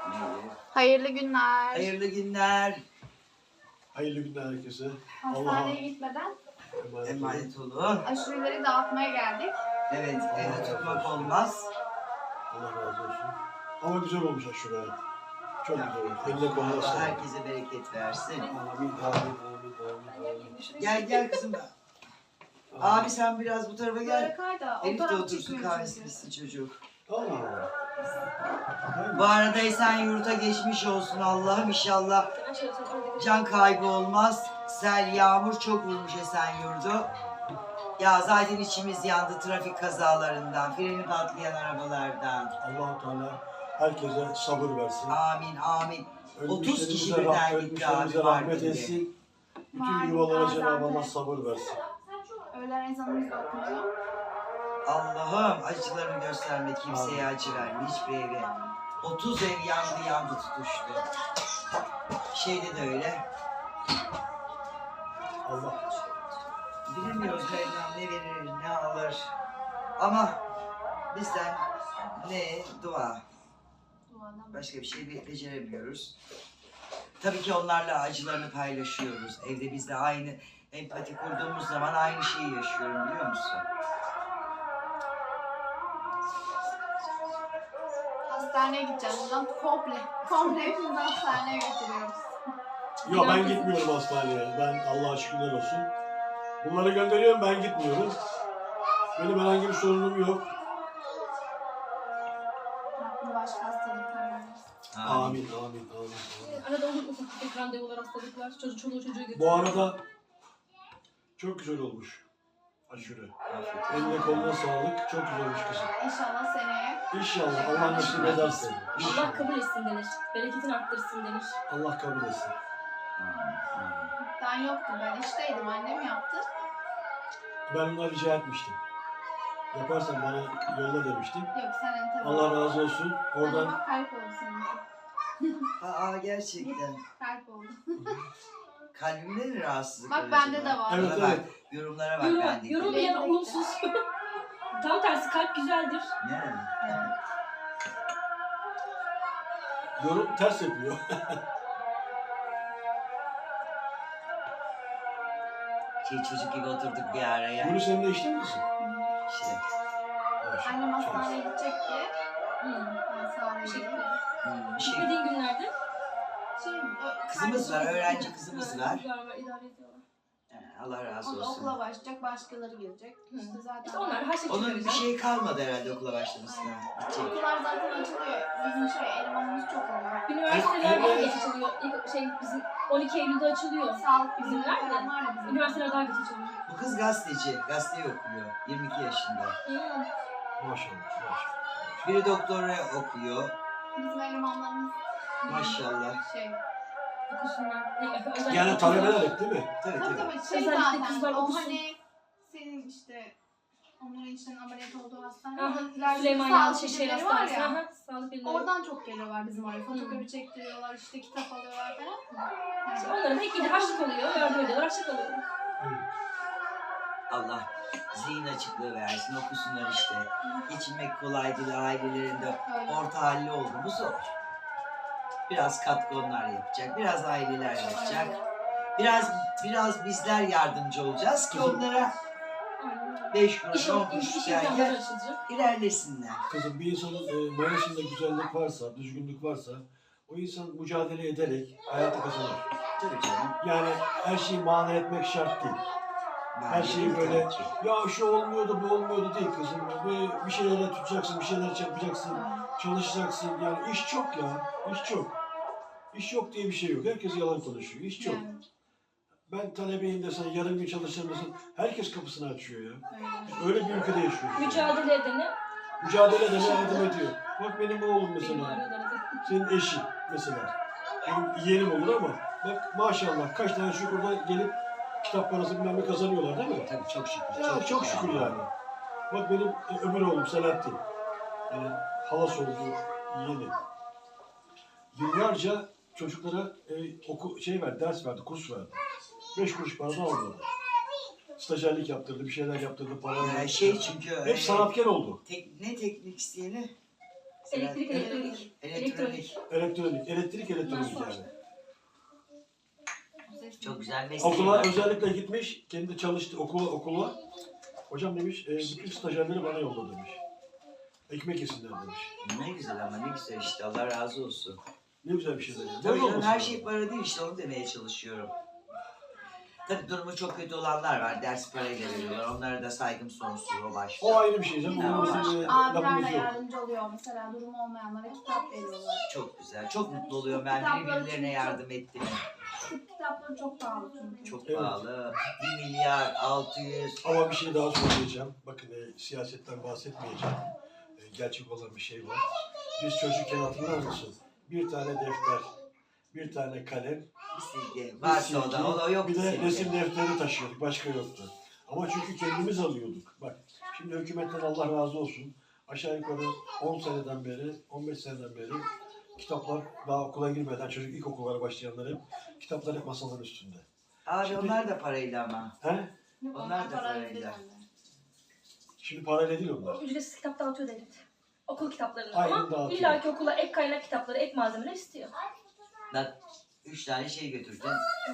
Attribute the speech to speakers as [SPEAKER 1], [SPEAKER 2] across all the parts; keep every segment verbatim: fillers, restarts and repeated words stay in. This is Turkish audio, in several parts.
[SPEAKER 1] Neydi?
[SPEAKER 2] Hayırlı günler.
[SPEAKER 1] Hayırlı günler.
[SPEAKER 3] Hayırlı günler herkese.
[SPEAKER 2] Hastaneye gitmeden
[SPEAKER 3] emanet,
[SPEAKER 1] Emanet olun.
[SPEAKER 2] aşureleri dağıtmaya geldik.
[SPEAKER 1] Evet, evde tutmak olmaz.
[SPEAKER 3] Allah razı olsun. Ama güzel olmuş aşure. Çok güzel olmuş. Eline koluna
[SPEAKER 1] Allah
[SPEAKER 3] sağlık.
[SPEAKER 1] herkese bereket versin.
[SPEAKER 3] Amin, amin, amin, amin, amin.
[SPEAKER 1] Gel gel kızım. Abi sen biraz bu tarafa
[SPEAKER 2] Böyle
[SPEAKER 1] gel.
[SPEAKER 2] kay da o
[SPEAKER 1] Elif de
[SPEAKER 2] taraf
[SPEAKER 1] otursun
[SPEAKER 2] çıkmıyor
[SPEAKER 1] kahvesi
[SPEAKER 2] çünkü.
[SPEAKER 1] bitsin çocuk.
[SPEAKER 3] Allah Allah.
[SPEAKER 1] Bu arada Esenyurt'a geçmiş olsun Allah'ım inşallah. Can kaybı olmaz. Sel, yağmur çok vurmuş Esenyurt'u. Ya zaten içimiz yandı trafik kazalarından, freni patlayan arabalardan.
[SPEAKER 3] Allah-u Teala herkese sabır versin.
[SPEAKER 1] Amin amin. otuz kişi
[SPEAKER 3] Ölmüşlerimize
[SPEAKER 1] birden
[SPEAKER 3] rah-
[SPEAKER 1] gitti abi
[SPEAKER 3] ölmüşlerimize
[SPEAKER 1] var
[SPEAKER 3] rahmet
[SPEAKER 1] gibi.
[SPEAKER 3] etsin. Bütün
[SPEAKER 2] Malum
[SPEAKER 3] yuvalara Cenab-ı Allah
[SPEAKER 2] Gaziantep.
[SPEAKER 3] sabır versin.
[SPEAKER 2] Öğlen ezanımız da okunuyor.
[SPEAKER 1] Allah'ım acılarını gösterme, kimseye acı verme, hiçbir eve. otuz ev yandı yandı tutuştu. Şeyde de öyle.
[SPEAKER 3] Allah
[SPEAKER 1] Bilemiyoruz Mevlam ne verir, ne alır. Ama bizden ne dua.
[SPEAKER 2] Duadan.
[SPEAKER 1] Başka bir şey be- beceremiyoruz. Tabii ki onlarla acılarını paylaşıyoruz. Evde biz de aynı empati kurduğumuz zaman aynı şeyi yaşıyorum biliyor musun?
[SPEAKER 2] Hastaneye gideceğiz buradan komple. Komple hepimizi hastaneye götürüyoruz.
[SPEAKER 3] Yok ben gitmiyorum hastaneye. Ben Allah'a şükürler olsun. Bunları gönderiyorum, ben gitmiyorum. Benim herhangi bir sorunum yok.
[SPEAKER 2] Rabbim başka hastalıklar vermesin.
[SPEAKER 3] Amin, amin, amin, amin.
[SPEAKER 4] Arada olur ufak tefek randevular, hastalıklar, çocuk çoluğu çocuğu götürüyor.
[SPEAKER 3] Bu arada çok güzel olmuş aşure.
[SPEAKER 1] Afiyet olsun.
[SPEAKER 3] Eline koluna sağlık. Çok güzel olmuş kızım.
[SPEAKER 2] İnşallah seneye.
[SPEAKER 3] İnşallah Allah nasip ederse.
[SPEAKER 4] Allah
[SPEAKER 3] İnşallah.
[SPEAKER 4] kabul etsin denir. Bereketini arttırsın denir.
[SPEAKER 3] Allah kabul etsin.
[SPEAKER 1] Amin, amin.
[SPEAKER 2] Ben yoktum. Ben işteydim. Annem yaptı.
[SPEAKER 3] Ben ona rica etmiştim. Yaparsan bana yolla demiştim.
[SPEAKER 2] Yok sen tabii.
[SPEAKER 3] Allah razı olsun.
[SPEAKER 2] Oradan...
[SPEAKER 3] Oradan
[SPEAKER 2] Bak kalp oldu senin.
[SPEAKER 1] Aa gerçekten.
[SPEAKER 2] Kalp oldu.
[SPEAKER 1] Kalbimde mi rahatsızlık
[SPEAKER 2] Bak
[SPEAKER 1] var
[SPEAKER 2] bende
[SPEAKER 1] acaba?
[SPEAKER 2] de var.
[SPEAKER 3] Evet,
[SPEAKER 1] Bana
[SPEAKER 3] evet.
[SPEAKER 1] bak, yorumlara bak
[SPEAKER 4] Yorum,
[SPEAKER 1] bende.
[SPEAKER 4] yorumlayan
[SPEAKER 2] Benim de-
[SPEAKER 4] olumsuz. Tam tersi kalp güzeldir.
[SPEAKER 1] Ne?
[SPEAKER 2] Evet.
[SPEAKER 3] yorum ters yapıyor.
[SPEAKER 1] Şey çocuk gibi oturduk bir araya.
[SPEAKER 3] Bunu seninle işte mi kızım?
[SPEAKER 1] İşte.
[SPEAKER 2] Annem hastaneye gidecek diye.
[SPEAKER 4] Hmm.
[SPEAKER 2] Ben Sare'ye
[SPEAKER 4] Teşekkür
[SPEAKER 2] gittim.
[SPEAKER 4] ederim.
[SPEAKER 1] Hmm, şey,
[SPEAKER 4] Gitmediğin günlerde.
[SPEAKER 2] Şey, ö-
[SPEAKER 1] kızımız var,
[SPEAKER 2] kardeşim-
[SPEAKER 1] öğrenci kızımız var.
[SPEAKER 4] Kızlar var, idare ediyorlar.
[SPEAKER 1] Ee, Allah razı
[SPEAKER 2] O da
[SPEAKER 1] olsun.
[SPEAKER 2] okula başlayacak, başkaları gelecek.
[SPEAKER 4] Hı.
[SPEAKER 2] İşte zaten.
[SPEAKER 4] İşte onlar her şey
[SPEAKER 1] Onun bir
[SPEAKER 4] çıkaracak.
[SPEAKER 1] şey kalmadı herhalde okula başlamasına. Gidecek.
[SPEAKER 2] Okullar zaten açılıyor. Bizim şey, elemanımız çok oluyor.
[SPEAKER 4] Üniversiteler daha
[SPEAKER 3] Evet.
[SPEAKER 4] geç açılıyor. İlk şey bizim on iki Eylül'de açılıyor.
[SPEAKER 2] Sağlık
[SPEAKER 4] Bizim
[SPEAKER 2] bizimler
[SPEAKER 4] nerede?
[SPEAKER 2] falan var ya bizim.
[SPEAKER 4] Üniversiteler daha geç açılıyor.
[SPEAKER 1] Bu kız gazeteci, gazeteyi okuyor. yirmi iki yaşında.
[SPEAKER 4] Hmm.
[SPEAKER 3] Maşallah, maşallah.
[SPEAKER 1] Biri doktora okuyor.
[SPEAKER 2] Bizim elemanlarımız.
[SPEAKER 1] Maşallah.
[SPEAKER 2] Şey.
[SPEAKER 4] Okusunlar. Özellikle
[SPEAKER 3] Yani talebeler hep değil mi?
[SPEAKER 1] Tabii
[SPEAKER 2] Tabii
[SPEAKER 1] tabii.
[SPEAKER 2] tabii şey
[SPEAKER 4] Özellikle
[SPEAKER 2] zaten.
[SPEAKER 4] kızlar
[SPEAKER 2] O
[SPEAKER 4] okusun.
[SPEAKER 2] hani senin işte onların içten ameliyat olduğu hastane.
[SPEAKER 4] Aha,
[SPEAKER 2] Onun ileride
[SPEAKER 4] Süleyman
[SPEAKER 2] sağlık
[SPEAKER 4] Yalçın Şehir
[SPEAKER 2] birimleri var
[SPEAKER 4] Hastanesi.
[SPEAKER 2] ya.
[SPEAKER 4] Aha, sağlık birimleri.
[SPEAKER 2] Oradan çok geliyorlar bizim oraya. Fotokopi
[SPEAKER 4] Hmm.
[SPEAKER 2] çektiriyorlar, işte kitap alıyorlar falan.
[SPEAKER 4] İşte
[SPEAKER 2] Evet.
[SPEAKER 4] onların hep gidi harçlık oluyor, yardım ediyorlar, harçlık alıyorlar.
[SPEAKER 1] Allah zihin açıklığı versin, okusunlar işte. Geçinmek kolay değil, ailelerinde
[SPEAKER 2] Öyle.
[SPEAKER 1] orta halli oldu mu zor. Biraz katkı onlar yapacak, biraz aileler yapacak. Biraz biraz bizler yardımcı olacağız ki onlara
[SPEAKER 4] Aynen.
[SPEAKER 1] beş kuruş,
[SPEAKER 4] İş,
[SPEAKER 1] on
[SPEAKER 4] iş,
[SPEAKER 1] kuruş
[SPEAKER 4] iş imkanları
[SPEAKER 1] derken
[SPEAKER 4] açılacak.
[SPEAKER 1] ilerlesinler.
[SPEAKER 3] Kızım bir insanın e, mayasında güzellik varsa, düzgünlük varsa o insan mücadele ederek hayatı kazanır.
[SPEAKER 1] Tabii canım.
[SPEAKER 3] Yani her şeyi mana etmek şart değil. Her
[SPEAKER 1] Bence
[SPEAKER 3] şeyi
[SPEAKER 1] de
[SPEAKER 3] böyle
[SPEAKER 1] tabii ki.
[SPEAKER 3] ya şu olmuyordu bu olmuyordu değil kızım. Bir, bir şeylere tutacaksın, bir şeyler yapacaksın, çalışacaksın. Yani iş çok ya, iş çok. İş yok diye bir şey yok. Herkes yalan konuşuyor. İş çok.
[SPEAKER 2] Yani,
[SPEAKER 3] Ben talebeyim desen, yarım gün çalışırım desen herkes kapısını açıyor ya.
[SPEAKER 2] öyle.
[SPEAKER 3] Biz öyle bir ülkede yaşıyoruz.
[SPEAKER 4] Mücadele edene
[SPEAKER 3] Mücadele edene yardım ediyor. Bak benim oğlum
[SPEAKER 4] benim
[SPEAKER 3] mesela,
[SPEAKER 4] arıyorlar.
[SPEAKER 3] senin eşin mesela. Benim yeğenim olur ama bak maşallah kaç tane şükürde gelip kitap parası bilmem ne kazanıyorlar değil mi?
[SPEAKER 1] Tabii çok şükür.
[SPEAKER 3] Ya çok şükür yani. Bak benim e, öbür oğlum Selahattin. Yani halas oldu yeğeni. Yıllarca çocuklara e, oku, şey verdi, ders verdi, kurs verdi. Beş kuruş paradan aldı. Stajyerlik yaptırdı, bir şeyler yaptırdı, para
[SPEAKER 1] Ee,
[SPEAKER 3] verdi.
[SPEAKER 1] şey çünkü
[SPEAKER 3] Hep sanatkar oldu.
[SPEAKER 1] tek, ne teknik isteyeni?
[SPEAKER 4] Elektrik, elektronik.
[SPEAKER 1] Elektronik.
[SPEAKER 3] Elektronik, elektrik elektronik yani.
[SPEAKER 1] Çok güzel mesleği
[SPEAKER 3] Okula
[SPEAKER 1] var.
[SPEAKER 3] özellikle gitmiş, kendi çalıştı okula, okula. Hocam demiş, e, bütün stajyerleri bana yolla demiş. Ekmek yesinler demiş.
[SPEAKER 1] Ne güzel ama ne güzel işte, Allah razı olsun.
[SPEAKER 3] Ne güzel bir şey demiş.
[SPEAKER 1] Tabii canım, her şey para değil işte, onu demeye çalışıyorum. Tabii durumu çok kötü olanlar var, ders parayla veriyorlar. Onlara da saygım sonsuz, o başta.
[SPEAKER 3] O ayrı bir şey canım.
[SPEAKER 1] Ya,
[SPEAKER 3] Onun
[SPEAKER 1] var.
[SPEAKER 3] bizim e,
[SPEAKER 2] Abiler
[SPEAKER 3] lafımız
[SPEAKER 2] de
[SPEAKER 3] yok.
[SPEAKER 2] yardımcı oluyor. Mesela durumu olmayanlara kitap veriyorlar.
[SPEAKER 1] Çok güzel, çok mutlu oluyorum ben birbirlerine yardım ettim.
[SPEAKER 2] Tıp kitapları çok pahalı çünkü.
[SPEAKER 1] Çok
[SPEAKER 3] Evet.
[SPEAKER 1] pahalı. bir milyar altı yüz.
[SPEAKER 3] Ama bir şey daha söyleyeceğim. Bakın e, siyasetten bahsetmeyeceğim. E, gerçek olan bir şey var. Biz çocukken hatırlar mısın? Bir tane defter, bir tane kalem,
[SPEAKER 1] Bir silgi.
[SPEAKER 3] bir
[SPEAKER 1] Varsa o da,
[SPEAKER 3] silgi,
[SPEAKER 1] o da yok
[SPEAKER 3] bir de
[SPEAKER 1] silgi.
[SPEAKER 3] resim defteri taşıyorduk. Başka yoktu. Ama çünkü kendimiz alıyorduk. Bak şimdi hükümetten Allah razı olsun. Aşağı yukarı on seneden beri, on beş seneden beri kitaplar daha okula girmeden çocuk ilkokullara başlayanlar hep kitaplar hep masaların üstünde.
[SPEAKER 1] Abi
[SPEAKER 3] Şimdi-
[SPEAKER 1] onlar da parayla ama.
[SPEAKER 3] He?
[SPEAKER 1] Onlar da
[SPEAKER 2] para
[SPEAKER 1] parayla.
[SPEAKER 2] ödüyor.
[SPEAKER 3] Şimdi parayla değil onlar.
[SPEAKER 4] Ücretsiz kitap dağıtıyor devlet. Okul kitaplarını
[SPEAKER 3] Aynen
[SPEAKER 4] ama
[SPEAKER 3] dağıtıyor.
[SPEAKER 4] illaki okula ek kaynak kitapları, ek malzemeler istiyor.
[SPEAKER 1] Bak üç tane şey götürdün.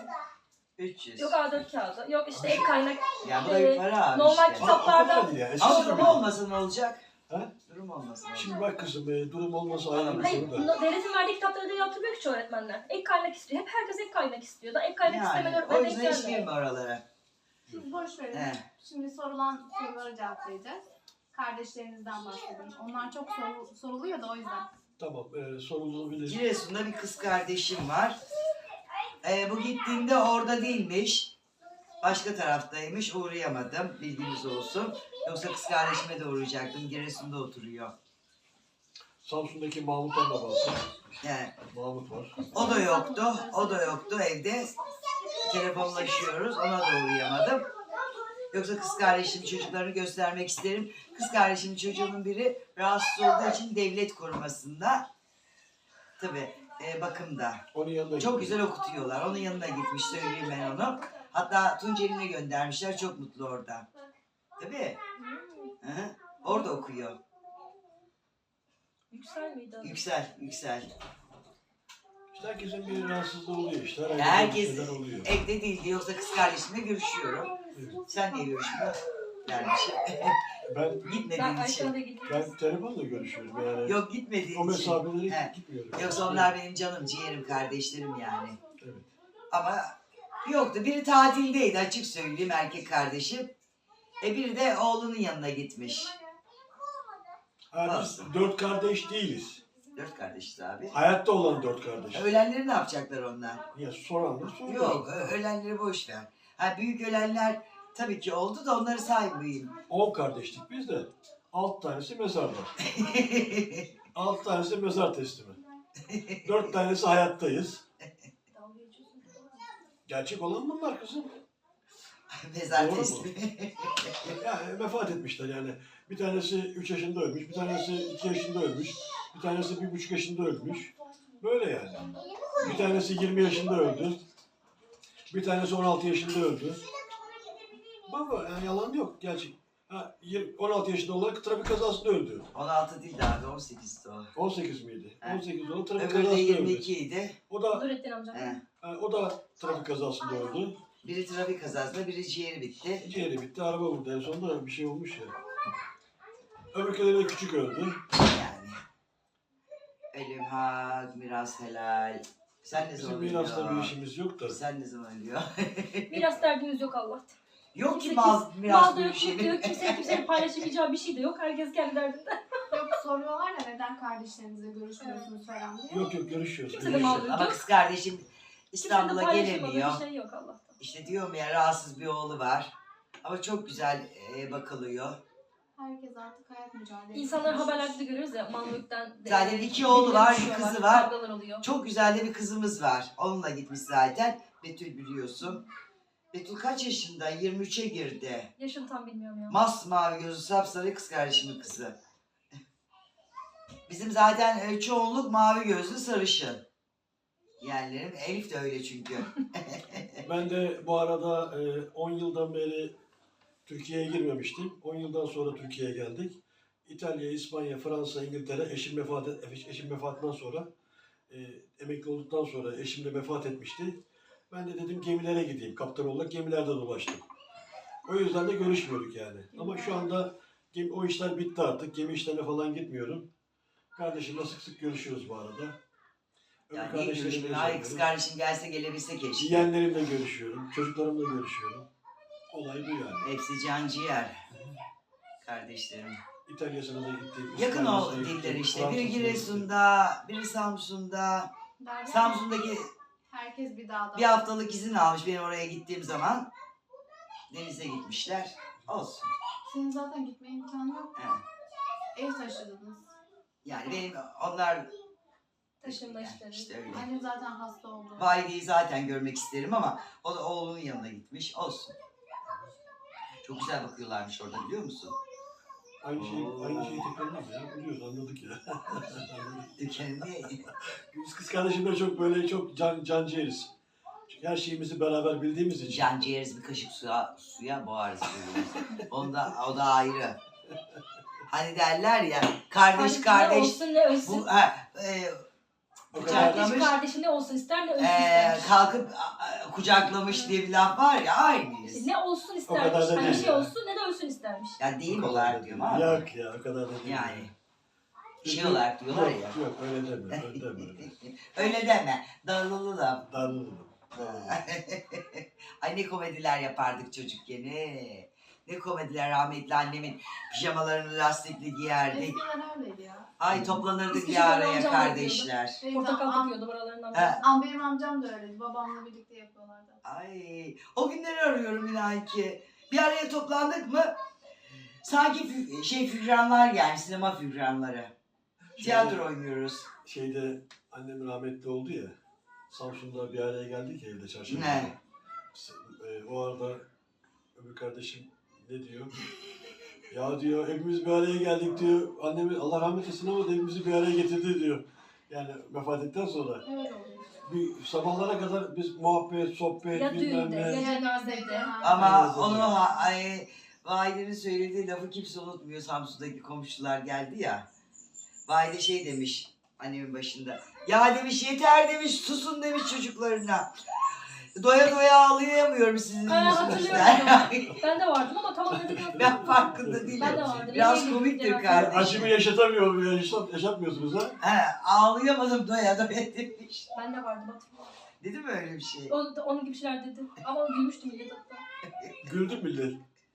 [SPEAKER 1] üç yüz.
[SPEAKER 4] Yok A dört kağıdı, yok işte ek kaynak.
[SPEAKER 1] Ya bu da bir para abi
[SPEAKER 4] normal
[SPEAKER 1] işte.
[SPEAKER 4] kitap- Kitaplarda-
[SPEAKER 3] Ama o kadar değil ya. Eskisi
[SPEAKER 1] Ama
[SPEAKER 3] gibi
[SPEAKER 1] durum
[SPEAKER 3] değil.
[SPEAKER 1] olmasa ne olacak?
[SPEAKER 3] He?
[SPEAKER 1] Durum olmasa ne olacak?
[SPEAKER 3] Şimdi bak kızım e, durum olmasa ayrı bir
[SPEAKER 4] Hayır,
[SPEAKER 3] konu da.
[SPEAKER 4] no- devletin verdiği kitapları da yaptırmıyor ki öğretmenler. Ek kaynak istiyor. Hep herkes ek kaynak istiyor. Da ek kaynak istemeyen
[SPEAKER 1] Yani, o
[SPEAKER 4] öğretmen denk
[SPEAKER 1] yüzden hiç
[SPEAKER 4] gelmiyor.
[SPEAKER 1] girme oralara.
[SPEAKER 2] Siz boş verin.
[SPEAKER 1] He.
[SPEAKER 2] Şimdi sorulan soruları cevaplayacağız. Kardeşlerinizden bahsedin. Onlar çok soru, soruluyor da o yüzden.
[SPEAKER 3] Tamam e, sorulabilir.
[SPEAKER 1] Giresun'da bir kız kardeşim var. Ee, bu gittiğinde orada değilmiş. Başka taraftaymış. Uğrayamadım. Bilginiz olsun. Yoksa kız kardeşime de uğrayacaktım. Giresun'da oturuyor.
[SPEAKER 3] Samsun'daki Mahmut'tan da bahset.
[SPEAKER 1] Yani,
[SPEAKER 3] Mahmut var.
[SPEAKER 1] o da yoktu. O da yoktu evde. Telefonlaşıyoruz. Ona da uğrayamadım. Yoksa kız kardeşimin çocuklarını göstermek isterim. Kız kardeşimin çocuğunun biri rahatsız olduğu için devlet korumasında. Tabii e, bakımda.
[SPEAKER 3] Onun yanına
[SPEAKER 1] Çok
[SPEAKER 3] gittim.
[SPEAKER 1] güzel okutuyorlar. Onun yanına gitmiş, söyleyeyim ben onu. Hatta Tunceli'ne göndermişler. Çok mutlu orada. Tabii. Hı hı. Orada okuyor.
[SPEAKER 4] Yüksel miydi adı?
[SPEAKER 1] Yüksel, yüksel.
[SPEAKER 3] İşte herkesin bir rahatsızlığı oluyor işte. Herkesin
[SPEAKER 1] Herkes
[SPEAKER 3] bir şeyler oluyor.
[SPEAKER 1] evde değildi. Yoksa kız kardeşimle görüşüyorum.
[SPEAKER 3] Evet.
[SPEAKER 1] Sen niye görüşmüyorsun? Dermişim.
[SPEAKER 3] Ben
[SPEAKER 4] Ben
[SPEAKER 1] Gitmediğin için.
[SPEAKER 4] Ayşe'yle gittim.
[SPEAKER 3] ben telefonla görüşüyorum yani.
[SPEAKER 1] Yok gitmediğin
[SPEAKER 3] O
[SPEAKER 1] için.
[SPEAKER 3] mesafeleri
[SPEAKER 1] He.
[SPEAKER 3] gitmiyorum.
[SPEAKER 1] Yoksa onlar benim canım, ciğerim, kardeşlerim yani.
[SPEAKER 3] Evet.
[SPEAKER 1] Ama yoktu. Biri tatildeydi, açık söyleyeyim, erkek kardeşim. E biri de oğlunun yanına gitmiş.
[SPEAKER 3] Ha, biz dört kardeş değiliz.
[SPEAKER 1] Dört kardeşiz abi.
[SPEAKER 3] Hayatta olan dört kardeş.
[SPEAKER 1] Ölenleri ne yapacaklar onlar?
[SPEAKER 3] Ya soranlar soruyor.
[SPEAKER 1] Yok, ö- ölenleri boş ver. Ha, büyük ölenler tabii ki oldu da onları saymayayım.
[SPEAKER 3] On kardeştik biz de. Alt tanesi mezarda. Alt tanesi mezar teslimi. Dört tanesi hayattayız.
[SPEAKER 4] Dalga geçiyorsun.
[SPEAKER 3] Gerçek olan bunlar kızım.
[SPEAKER 1] Mezar
[SPEAKER 3] Doğru mu?
[SPEAKER 1] teslimi.
[SPEAKER 3] Yani vefat etmişler yani. Bir tanesi üç yaşında ölmüş, bir tanesi iki yaşında ölmüş, bir tanesi bir buçuk yaşında ölmüş. Böyle yani. Bir tanesi yirmi yaşında öldü. Bir tanesi on altı yaşında öldü. Baba yani yalan yok gerçek. Ha, yirmi on altı yaşında olarak trafik kazasında öldü.
[SPEAKER 1] on altı değil de abi, on sekizdi o.
[SPEAKER 3] on sekiz miydi?
[SPEAKER 1] He.
[SPEAKER 3] on sekiz olarak trafik
[SPEAKER 1] Öbürü de
[SPEAKER 3] kazasında
[SPEAKER 1] yirmi
[SPEAKER 3] öldü.
[SPEAKER 1] iki idi.
[SPEAKER 3] O da
[SPEAKER 4] Nurettin amcam.
[SPEAKER 1] He.
[SPEAKER 3] ha, o da trafik kazasında öldü.
[SPEAKER 1] Biri trafik kazasında, biri ciğeri bitti.
[SPEAKER 3] Ciğeri bitti, araba vurdu. En sonunda bir şey olmuş ya. Öbürküleri de küçük öldü.
[SPEAKER 1] Yani. Ölüm hak, miras helal. Sen ne
[SPEAKER 3] Bizim
[SPEAKER 1] zaman
[SPEAKER 3] mirasta bir
[SPEAKER 1] ölüyorsun?
[SPEAKER 3] işimiz yok da.
[SPEAKER 1] Sen ne zaman ölüyorsun?
[SPEAKER 4] Miras derdiniz yok Allah'tan.
[SPEAKER 1] Yok ki
[SPEAKER 4] Kimse-
[SPEAKER 1] mal, miras
[SPEAKER 4] Malda
[SPEAKER 1] bir
[SPEAKER 4] yok,
[SPEAKER 1] şey.
[SPEAKER 4] mutlu yok. Kimse kimsenin paylaşamayacağı bir şey de yok. Herkes kendi derdinde.
[SPEAKER 2] Yok soruyorlar ya neden kardeşlerinizle görüşmüyorsunuz falan diye.
[SPEAKER 3] Yok yok görüşüyoruz.
[SPEAKER 4] Kimse de
[SPEAKER 3] görüşüyoruz.
[SPEAKER 4] mal-
[SPEAKER 1] Ama kız kardeşim
[SPEAKER 4] Kimsenin
[SPEAKER 1] İstanbul'a
[SPEAKER 4] paylaşamadığı
[SPEAKER 1] gelemiyor.
[SPEAKER 4] bir şey yok Allah'tan.
[SPEAKER 1] İşte diyorum ya, rahatsız bir oğlu var. Ama çok güzel e, bakılıyor.
[SPEAKER 2] Herkes artık hayat mücadelesi.
[SPEAKER 4] İnsanlar haberlerde de görüyoruz ya mal mülkten. de-
[SPEAKER 1] Zaten iki oğlu var, bir
[SPEAKER 4] düşüyorlar,
[SPEAKER 1] kızı var.
[SPEAKER 4] Kavgalar oluyor.
[SPEAKER 1] Çok güzel de bir kızımız var. Onunla gitmiş zaten. Betül biliyorsun. Betül kaç yaşında? yirmi üçe girdi.
[SPEAKER 4] Yaşını tam bilmiyorum ya.
[SPEAKER 1] Masmavi gözü, sapsarı, kız kardeşimin kızı. Bizim zaten e, çoğunluk mavi gözlü, sarışın. Yeğenlerim. Elif de öyle çünkü.
[SPEAKER 3] Ben de bu arada e, on yıldan beri Türkiye'ye girmemiştim. on yıldan sonra Türkiye'ye geldik. İtalya, İspanya, Fransa, İngiltere eşim vefat et, eşim vefatından sonra e, emekli olduktan sonra eşim de vefat etmişti. Ben de dedim gemilere gideyim. Kaptan olarak gemilerde dolaştım. O yüzden de görüşmüyorduk yani. Ama şu anda gemi, o işler bitti artık. Gemi işlerine falan gitmiyorum. Kardeşimle sık sık görüşüyoruz bu arada. Öbür
[SPEAKER 1] Yani niye
[SPEAKER 3] kardeşlerimle
[SPEAKER 1] görüşmüyorsun? Ay kız
[SPEAKER 3] görüşüyorum.
[SPEAKER 1] kardeşim gelse gelebilse keşke.
[SPEAKER 3] Yeğenlerimle görüşüyorum. Çocuklarımla görüşüyorum. Olay bu yani.
[SPEAKER 1] Hepsi can ciğer. Kardeşlerim.
[SPEAKER 3] İtalya'sına da gittim.
[SPEAKER 1] Yakın o
[SPEAKER 3] İspanya'sına gittim,
[SPEAKER 1] diller işte. Biri
[SPEAKER 3] Fransa'sına gittim.
[SPEAKER 1] Giresun'da, biri Samsun'da.
[SPEAKER 2] Derya,
[SPEAKER 1] Samsun'daki
[SPEAKER 2] herkes bir dağda.
[SPEAKER 1] bir haftalık izin almış benim oraya gittiğim zaman. Denize gitmişler. Olsun.
[SPEAKER 2] Senin zaten gitme imkanı yok.
[SPEAKER 1] Evet.
[SPEAKER 2] Ev taşıdınız.
[SPEAKER 1] Yani benim onlar
[SPEAKER 4] Taşınma işleri.
[SPEAKER 1] işte öyle.
[SPEAKER 2] Annem zaten hasta oldu.
[SPEAKER 1] Valideyi zaten görmek isterim ama o da oğlunun yanına gitmiş. Olsun. Çok güzel bakıyorlarmış orada biliyor musun?
[SPEAKER 3] Aynı şey,
[SPEAKER 1] Oo.
[SPEAKER 3] aynı şeyi tekrarlamaz ya. Biliyoruz, anladık ya. Anladık.
[SPEAKER 1] Dükkanı
[SPEAKER 3] Biz kız kardeşimle çok böyle çok can, canciğeriz. Çünkü her şeyimizi beraber bildiğimiz için.
[SPEAKER 1] can ciğeriz bir kaşık suya, suya boğarız birbirimizi. Onda, o da ayrı. Hani derler ya kardeş
[SPEAKER 4] Ne
[SPEAKER 1] kardeş
[SPEAKER 4] olsun ne ölsün.
[SPEAKER 1] bu ha, e,
[SPEAKER 3] O
[SPEAKER 1] Kucaklamış.
[SPEAKER 3] kadar
[SPEAKER 4] Kardeş kardeşi ne olsun ister ne ölsün
[SPEAKER 1] e,
[SPEAKER 4] istermiş.
[SPEAKER 1] kalkıp a, a, kucaklamış diye bir laf var ya aynıyız.
[SPEAKER 4] İşte ne olsun
[SPEAKER 3] O kadar
[SPEAKER 4] istermiş.
[SPEAKER 3] da
[SPEAKER 4] Hani
[SPEAKER 3] değil
[SPEAKER 4] şey
[SPEAKER 3] ya.
[SPEAKER 4] olsun ne de ölsün istermiş.
[SPEAKER 1] Ya değil
[SPEAKER 3] o kadar
[SPEAKER 1] olarak
[SPEAKER 3] da
[SPEAKER 1] diyorum
[SPEAKER 3] değil.
[SPEAKER 1] ama.
[SPEAKER 3] Yok ya, o kadar da değil.
[SPEAKER 1] Yani. Şey
[SPEAKER 3] Çünkü-
[SPEAKER 1] olarak diyorlar
[SPEAKER 3] yok,
[SPEAKER 1] ya.
[SPEAKER 3] Yok öyle deme, öyle deme. öyle.
[SPEAKER 1] Öyle deme. Darılı da.
[SPEAKER 3] Darılırım.
[SPEAKER 1] Ay ne komediler yapardık çocukken. Ne, ne komediler rahmetli annemin pijamalarını lastikli giyerdik.
[SPEAKER 2] Eskiden öyleydi ya.
[SPEAKER 1] Ay toplanırdık
[SPEAKER 4] Biz
[SPEAKER 1] bir
[SPEAKER 4] küçük
[SPEAKER 1] araya
[SPEAKER 4] amcamla
[SPEAKER 1] kardeşler.
[SPEAKER 2] Benim,
[SPEAKER 4] Portakal
[SPEAKER 2] am,
[SPEAKER 4] takıyordu buralarından.
[SPEAKER 1] He.
[SPEAKER 2] am, benim amcam da öyleydi. Babamla birlikte yapıyorlardı.
[SPEAKER 1] Ay o günleri arıyorum inan ki. Bir araya toplandık mı sanki fü- şey figüranlar yani sinema figüranları. Tiyatro oynuyoruz.
[SPEAKER 3] Şeyde annem rahmetli oldu ya. Samsun'da bir araya geldik ya evde çarşamba.
[SPEAKER 1] Ne?
[SPEAKER 3] E, o arada öbür kardeşim ne diyor? Ya diyor hepimiz bir araya geldik diyor. Annemi Allah rahmet eylesin ama da hepimizi bir araya getirdi diyor. Yani vefat ettikten sonra.
[SPEAKER 2] Öyle oluyor.
[SPEAKER 3] Bir sabahlara kadar biz muhabbet, sohbet,
[SPEAKER 4] Ya
[SPEAKER 3] bilmem
[SPEAKER 4] düğünde,
[SPEAKER 3] ne.
[SPEAKER 4] ya cenazede.
[SPEAKER 1] Ama
[SPEAKER 3] Aynen.
[SPEAKER 1] onu ha- ay, Vahide'nin söylediği lafı kimse unutmuyor. Samsun'daki komşular geldi ya. Vahide şey demiş annemin başında. Ya demiş yeter demiş susun demiş çocuklarına. Doya doya ağlayamıyorum sizin
[SPEAKER 4] Ha,
[SPEAKER 1] yüzünüzden.
[SPEAKER 4] hatırlıyorum. Ben de vardım ama tam olarak hatırlamıyorum.
[SPEAKER 1] Ben farkında değilim.
[SPEAKER 4] Ben de vardım.
[SPEAKER 1] Biraz
[SPEAKER 4] Yemeğe
[SPEAKER 1] komiktir
[SPEAKER 4] gittik
[SPEAKER 1] kardeşim.
[SPEAKER 3] Acımı yaşatamıyorum ya, yaşat, yaşatmıyorsunuz ha?
[SPEAKER 1] He, ağlayamadım doya doya demiş.
[SPEAKER 4] Ben de vardım hatırlıyorum.
[SPEAKER 1] Dedi mi öyle bir şey?
[SPEAKER 4] O, onun gibi şeyler dedi. Ama gülmüştüm millet hatta.
[SPEAKER 3] Güldüm millet.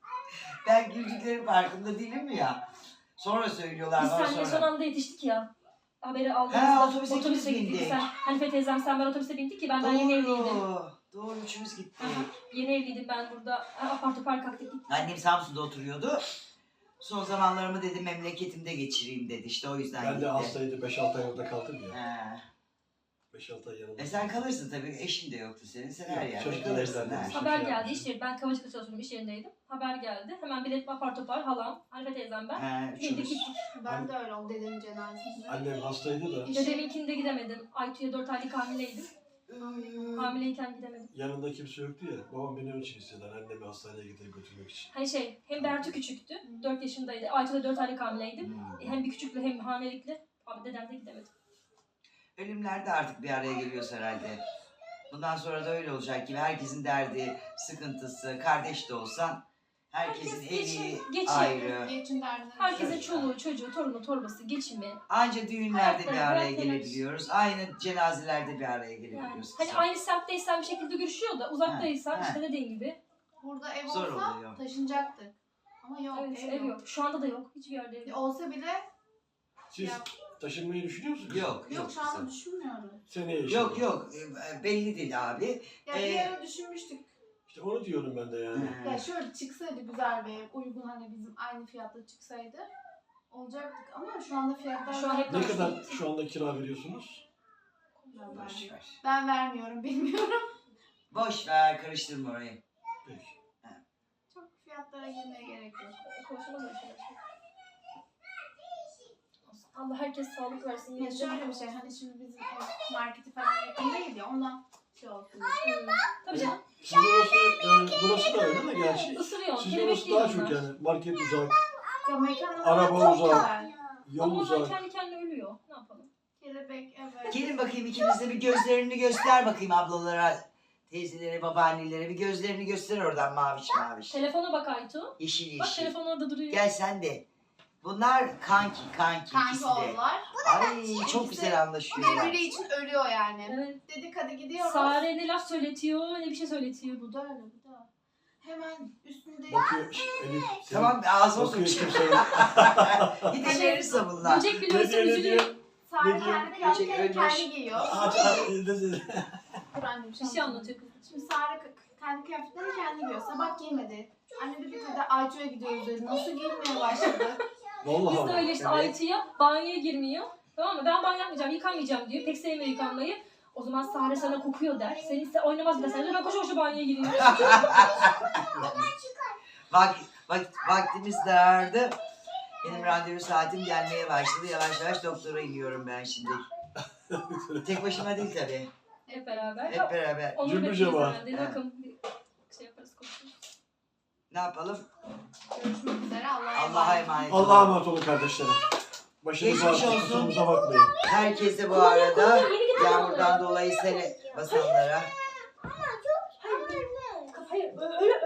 [SPEAKER 1] Ben güldüklerin farkında değilim ya. Sonra söylüyorlar
[SPEAKER 4] Biz
[SPEAKER 1] bana
[SPEAKER 4] seninle son
[SPEAKER 1] sonra.
[SPEAKER 4] anda yetiştik ya. Haberi aldığımızda
[SPEAKER 1] He, otobüse ikimiz
[SPEAKER 4] gittik.
[SPEAKER 1] bindik.
[SPEAKER 4] Sen, Hanife teyzem sen ben otobüse bindik ki ben daha yeni evliydim.
[SPEAKER 1] Doğru. Doğru üçümüz gittik.
[SPEAKER 4] Yeni evliydim ben burada. Ha, apar topar kalktık gittik.
[SPEAKER 1] Annem Samsun'da oturuyordu. Son zamanlarımı dedi memleketimde geçireyim dedi. İşte o yüzden
[SPEAKER 3] Ben de
[SPEAKER 1] gitti.
[SPEAKER 3] hastaydı, beş altı ay orada kaldım ya.
[SPEAKER 1] He.
[SPEAKER 3] beş altı ay yanımda.
[SPEAKER 1] E sen kalırsın tabii. Eşin de yoktu senin. Sen her
[SPEAKER 3] Yok,
[SPEAKER 1] yerde
[SPEAKER 3] çocuklar
[SPEAKER 1] kalırsın.
[SPEAKER 3] evlendi.
[SPEAKER 1] ha.
[SPEAKER 3] Şey
[SPEAKER 4] Haber geldi
[SPEAKER 3] yapmış.
[SPEAKER 4] iş yeri. Ben Kavacık'ta çalışıyordum iş yerindeydim. Haber geldi. Hemen bilet apar topar halam, Hanife teyzem ben.
[SPEAKER 1] He,
[SPEAKER 4] Bindik
[SPEAKER 1] üçümüz.
[SPEAKER 4] gittik.
[SPEAKER 2] Ben de öyle oldu dedemin cenazesinde.
[SPEAKER 3] Annem hastaydı da
[SPEAKER 4] Dedeminkinde gidemedim. Aytu'ya dört aylık hamileydim. Hamileyken gidemedim.
[SPEAKER 3] yanında kimse yoktu ya. Babam beni onun için istedi. Annemi hastaneye getirip götürmek için.
[SPEAKER 4] Hani şey hem Bertu küçüktü. dört yaşındaydı. Aytu da dört aylık hamileydim.
[SPEAKER 1] Hmm.
[SPEAKER 4] Hem bir küçükle hem hamilelikle. Abi dedem de gidemedi.
[SPEAKER 1] Ölümler de artık bir araya geliyoruz herhalde. Bundan sonra da öyle olacak gibi. Herkesin derdi, sıkıntısı, kardeş de olsan herkesin
[SPEAKER 4] Herkes geçim-
[SPEAKER 1] evi
[SPEAKER 4] geçim.
[SPEAKER 1] ayrı.
[SPEAKER 2] Geçin derdine.
[SPEAKER 4] Herkesin çoluğu, çocuğu, torunu, torbası, geçimi.
[SPEAKER 1] Anca düğünlerde bir
[SPEAKER 4] Hayatları,
[SPEAKER 1] araya
[SPEAKER 4] hayat telaş.
[SPEAKER 1] gelebiliyoruz. Aynı cenazelerde bir araya
[SPEAKER 4] Yani,
[SPEAKER 1] gelebiliyoruz.
[SPEAKER 4] hani aynı semtteysen bir şekilde görüşüyor da uzaktaysan
[SPEAKER 1] Ha, ha.
[SPEAKER 4] işte dediğin gibi.
[SPEAKER 2] Burada ev
[SPEAKER 1] Zor
[SPEAKER 2] olsa
[SPEAKER 1] oluyor.
[SPEAKER 2] taşınacaktık. Ama yok
[SPEAKER 4] Evet,
[SPEAKER 2] ev,
[SPEAKER 4] ev
[SPEAKER 2] yok.
[SPEAKER 4] yok. Şu anda da yok. Hiçbir yerde ev yok.
[SPEAKER 2] Olsa bile
[SPEAKER 3] Siz
[SPEAKER 2] Ya.
[SPEAKER 3] taşınmayı düşünüyor musunuz?
[SPEAKER 1] Yok,
[SPEAKER 2] yok,
[SPEAKER 1] yok.
[SPEAKER 2] şu anda
[SPEAKER 1] kızım.
[SPEAKER 2] düşünmüyorum.
[SPEAKER 3] Seneye inşallah.
[SPEAKER 1] Yok yok e, belli değil abi.
[SPEAKER 2] Ya
[SPEAKER 1] Ee,
[SPEAKER 2] bir ara düşünmüştük.
[SPEAKER 3] İşte onu diyorum ben de yani.
[SPEAKER 1] He.
[SPEAKER 2] Ya şöyle çıksaydı güzel bir ev, uygun hani bizim aynı fiyatta çıksaydı olacaktık ama şu anda fiyatlar
[SPEAKER 4] Şu an hep
[SPEAKER 3] Ne
[SPEAKER 4] Taşın.
[SPEAKER 3] kadar şu anda kira veriyorsunuz?
[SPEAKER 2] Ben,
[SPEAKER 1] Boş ver.
[SPEAKER 2] ben vermiyorum bilmiyorum.
[SPEAKER 1] Boş ver karıştırma orayı.
[SPEAKER 3] Peki.
[SPEAKER 2] Çok fiyatlara girmeye gerek yok.
[SPEAKER 4] Konuşalım böyle şeyler. Allah herkes sağlık versin.
[SPEAKER 2] Ya şöyle bir şey hani şimdi bizim ev marketi falan yakın değil ya ondan şey olsun.
[SPEAKER 4] Tabii canım.
[SPEAKER 3] Sizin orası, yani burası da öyle de gerçi.
[SPEAKER 4] Isırıyor.
[SPEAKER 3] Sizin
[SPEAKER 4] Kelebek
[SPEAKER 3] orası daha
[SPEAKER 4] yiyor
[SPEAKER 3] çok
[SPEAKER 4] bunlar.
[SPEAKER 3] yani. Market uzak,
[SPEAKER 2] Ya mekanlar
[SPEAKER 3] Araba
[SPEAKER 2] çok
[SPEAKER 3] uzak.
[SPEAKER 2] güzel.
[SPEAKER 3] Yol
[SPEAKER 4] Ama onlar
[SPEAKER 3] uzak.
[SPEAKER 4] kendi kendine ölüyor. Ne yapalım?
[SPEAKER 2] Kelebek evet.
[SPEAKER 1] Gelin bakayım ikiniz de bir gözlerini göster bakayım ablalara, teyzelere, babaannelere. Bir gözlerini göster oradan maviş maviş.
[SPEAKER 4] Telefona bak Aytu.
[SPEAKER 1] Yeşil
[SPEAKER 4] Bak
[SPEAKER 1] yeşil.
[SPEAKER 4] telefon orada duruyor.
[SPEAKER 1] Gel sen de. Bunlar kanki kanki
[SPEAKER 2] Kanki
[SPEAKER 1] ikisi de.
[SPEAKER 2] oldular.
[SPEAKER 1] Ay çok güzel anlaşıyorlar.
[SPEAKER 2] Birbiri için ölüyor yani.
[SPEAKER 4] Evet.
[SPEAKER 2] Dedik hadi gidiyoruz.
[SPEAKER 4] Sare ne laf söyletiyor ne bir şey söyletiyor. Bu da öyle bu da.
[SPEAKER 2] Hemen üstünde
[SPEAKER 3] Bakıyor şş, Elif. senin-
[SPEAKER 1] Tamam ağzıma
[SPEAKER 3] Bakıyor
[SPEAKER 1] sokacağım.
[SPEAKER 3] kimse.
[SPEAKER 1] Gidebilirse bunlar.
[SPEAKER 4] Böcek bile
[SPEAKER 3] Ne
[SPEAKER 4] ölse
[SPEAKER 3] diyor ne
[SPEAKER 4] üzülüyor.
[SPEAKER 3] diyor?
[SPEAKER 2] Sare
[SPEAKER 3] Ne diyor?
[SPEAKER 2] kendi kıyafetlerini
[SPEAKER 1] Ölmüş.
[SPEAKER 2] kendi giyiyor.
[SPEAKER 3] Aç aç. ne diyor?
[SPEAKER 2] Dur annem
[SPEAKER 4] Bir şey anlatıyor kız.
[SPEAKER 2] Şimdi Sare k- kendi kıyafetlerini kendi giyiyor. Sabah giymedi. Anne dedi hadi Ayça'ya gidiyoruz dedi. Nasıl giyinmeye başladı?
[SPEAKER 3] Vallahi.
[SPEAKER 4] Biz de öyle işte
[SPEAKER 1] Evet.
[SPEAKER 4] Aytu'ya banyoya girmiyor. Tamam mı? Ben banyo yapmayacağım, yıkanmayacağım diyor. Pek sevmiyor yıkanmayı. O zaman Sare sana kokuyor der. Seni ise oynamaz bile seninle. Ben koşa koşa banyoya giriyorum.
[SPEAKER 1] Bak, bak vaktimiz dardı. Benim randevu saatim gelmeye başladı. Yavaş yavaş doktora iniyorum ben şimdi. Tek başıma değil tabii.
[SPEAKER 4] Hep beraber.
[SPEAKER 1] Hep beraber.
[SPEAKER 4] Onu
[SPEAKER 3] Cümbür
[SPEAKER 4] bekleyeceğiz
[SPEAKER 3] cemaat.
[SPEAKER 4] herhalde.
[SPEAKER 1] Evet.
[SPEAKER 4] Bakın bir şey yaparız konuşuruz.
[SPEAKER 1] Ne yapalım?
[SPEAKER 2] Görüşmek üzere. Allah'a
[SPEAKER 1] Allah'a
[SPEAKER 2] emanet.
[SPEAKER 1] emanet olun.
[SPEAKER 3] Allah'a emanet olun kardeşlerim. Başınız
[SPEAKER 1] Geçmiş
[SPEAKER 3] ağrısın,
[SPEAKER 1] olsun.
[SPEAKER 3] kusurumuza bakmayın.
[SPEAKER 1] Herkese bu arada yağmurdan dolayı sele basanlara
[SPEAKER 4] Hayır, öyle